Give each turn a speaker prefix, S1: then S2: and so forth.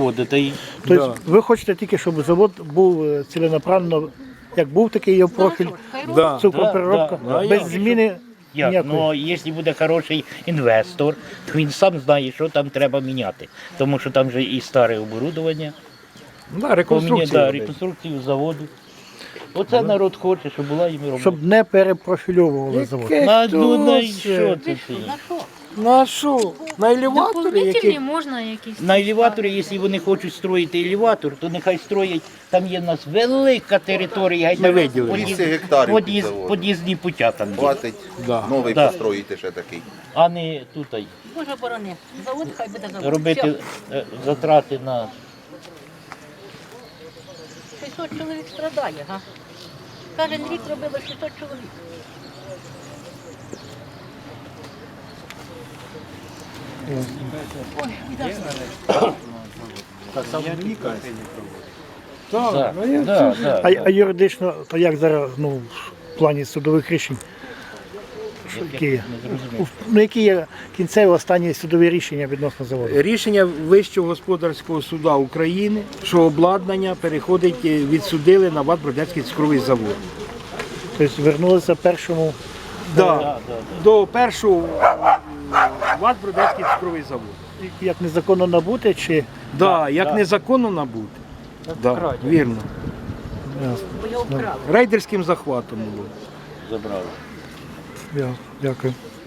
S1: заводу. Та й
S2: Тобто ви хочете тільки, щоб завод був ціленаправленно, як був такий його профіль,
S3: Да.
S2: цукропереробка,
S1: Да.
S2: без зміни
S1: як?
S2: ніякої.
S1: Ну, якщо буде хороший інвестор, то він сам знає, що там треба міняти. Тому що там вже і старе оборудовання,
S3: Да, реконструкція.
S1: реконструкцію заводу. Оце народ хоче, щоб була їм робота.
S2: Щоб не перепрофільовували завод.
S1: Ну, що це ти?
S3: На що? На елеваторі,
S4: Дополнительні
S3: які...
S4: можна якісь.
S1: На елеваторі, якщо вони хочуть строїти елеватор, то нехай строять, там є в нас велика територія,
S3: Ми виділили.
S5: 200 гектарів під заводом.
S1: под'їзні путя там є,
S5: Хватить
S3: Да.
S5: новий
S1: Да.
S5: построїти ще такий.
S1: а не тут
S6: Боже борони, завод хай буде завод.
S1: робити затрати на
S6: 600 чоловік страдає, га? Кожен рік робили 600 чоловік.
S1: да, да, да.
S2: А юридично, то як зараз ну, в плані судових рішень? Що, які є? Ну, які є кінцеві останні судові рішення відносно заводу?
S3: Рішення Вищого господарського суду України, що обладнання переходить, відсудили на ВАТ Бродецький цукровий завод.
S2: Тобто вернулися першому.
S3: Да. До першого ВАТ Бродецький цукровий завод.
S2: Як незаконно набути, чи
S3: Да, як незаконно набути. Да, вірно.
S6: Бо його вкрали.
S3: Рейдерським захватом було.
S1: Забрали.
S2: Дякую.